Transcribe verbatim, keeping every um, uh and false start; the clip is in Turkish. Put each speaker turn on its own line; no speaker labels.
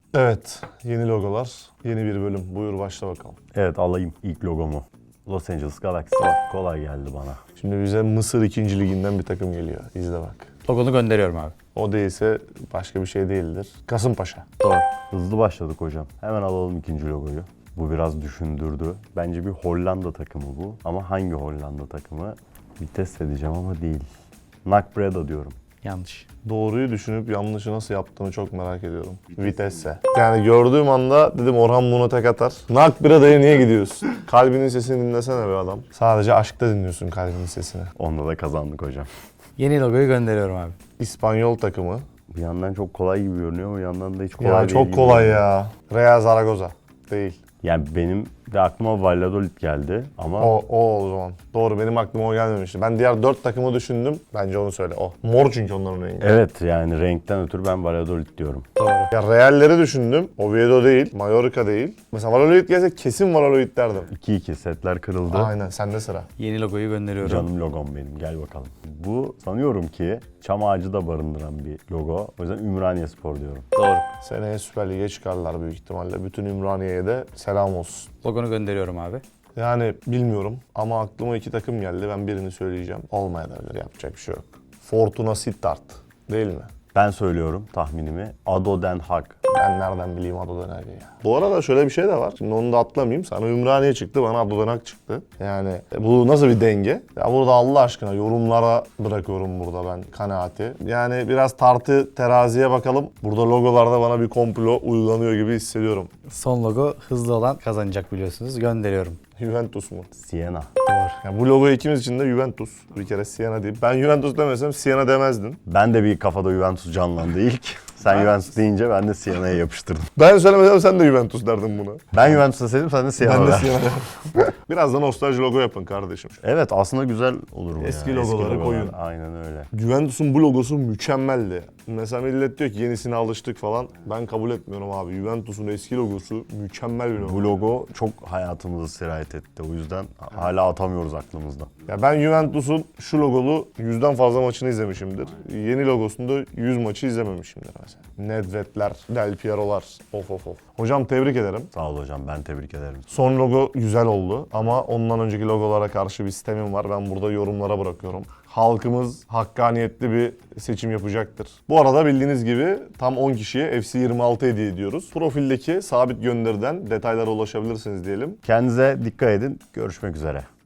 Evet, yeni logolar, yeni bir bölüm. Buyur başla bakalım.
Evet, alayım ilk logomu. Los Angeles Galaxy. Kolay geldi bana.
Şimdi bize Mısır ikinci liginden bir takım geliyor. İzle bak.
Logonu gönderiyorum abi.
O değilse başka bir şey değildir. Kasımpaşa.
Doğru.
Hızlı başladık hocam. Hemen alalım ikinci logoyu. Bu biraz düşündürdü. Bence bir Hollanda takımı bu. Ama hangi Hollanda takımı? Vites edeceğim ama değil. Nakbreda diyorum.
Yanlış.
Doğruyu düşünüp yanlışı nasıl yaptığını çok merak ediyorum. Vitesse. Yani gördüğüm anda dedim Orhan bunu tek atar. Nakbreda'ya niye gidiyorsun? Kalbinin sesini dinlesene be adam. Sadece aşkta dinliyorsun kalbinin sesini.
Onda da kazandık hocam.
Yeni logoyu gönderiyorum abi.
İspanyol takımı.
Bir yandan çok kolay gibi görünüyor ama bir yandan da hiç kolay
Ya
değil
çok
gibi
kolay
görünüyor.
ya. Real Zaragoza. Değil.
Yani benim de aklıma Valladolid geldi ama
O, o o zaman. Doğru, benim aklıma o gelmemişti. Ben diğer dört takımı düşündüm. Bence onu söyle. O. Mor çünkü onların rengi.
evet, yani renkten ötürü ben Valladolid diyorum.
Doğru.
Ya Real'leri düşündüm. Oviedo değil, Mallorca değil. Mesela Valladolid gelse kesin Valladolid derdim.
iki iki setler kırıldı.
Aynen, sende sıra.
Yeni logoyu gönderiyorum.
Canım logom benim. Gel bakalım. Bu sanıyorum ki çam ağacı da barındıran bir logo. O yüzden Ümraniyespor diyorum.
Doğru.
Seneye Süper Lig'e çıkarlar büyük ihtimalle. Bütün Ümraniye'ye de selam olsun.
Logonu gönderiyorum abi.
Yani bilmiyorum ama aklıma iki takım geldi. Ben birini söyleyeceğim. Olmayabilir, yapacak bir şey yok. Fortuna Sittard değil mi?
Ben söylüyorum tahminimi. Ado Den Haag.
Ben nereden bileyim Adodan ya. Bu arada şöyle bir şey de var. Şimdi onu da atlamayayım. Sana Ümraniye çıktı, bana Adodan çıktı. Yani bu nasıl bir denge? Ya burada Allah aşkına yorumlara bırakıyorum burada ben kanaati. Yani biraz tartı teraziye bakalım. Burada logolarda bana bir komplo uygulanıyor gibi hissediyorum.
Son logo hızlı olan kazanacak biliyorsunuz. Gönderiyorum.
Juventus mu?
Siena.
Doğru.
Yani bu logo ikimiz için de Juventus. Bir kere Siena değil. Ben Juventus demesem Siena demezdin.
Ben de bir kafada Juventus canlandı ilk. Sen
Ben-
Juventus deyince ben de Siena'ya yapıştırdım.
Ben söylemesem sen de Juventus derdin buna.
Ben Juventus'a sevdim, sen de Siena.
Ben de
ver.
Siena. Biraz da nostalji logo yapın kardeşim.
Evet, aslında güzel olur bu
Eski
ya.
logoları koyun.
Aynen öyle.
Juventus'un bu logosu mükemmeldi. Mesela millet diyor ki yenisine alıştık falan. Ben kabul etmiyorum abi. Juventus'un eski logosu mükemmel bir logo.
Bu logo çok hayatımızı sirayet etti. O yüzden hala atamıyoruz aklımızdan.
Ya ben Juventus'un şu logolu yüzden fazla maçını izlemişimdir. Yeni logosunda yüz maçı izlememişimdir mesela. Nedved'ler, Del Piero'lar. Of of of. Hocam tebrik ederim.
Sağ ol hocam, ben tebrik ederim.
Son logo güzel oldu ama ondan önceki logolara karşı bir sistemim var. Ben burada yorumlara bırakıyorum. Halkımız hakkaniyetli bir seçim yapacaktır. Bu arada bildiğiniz gibi tam on kişiye F C yirmi altı hediye ediyoruz. Profildeki sabit gönderiden detaylara ulaşabilirsiniz diyelim.
Kendinize dikkat edin. Görüşmek üzere.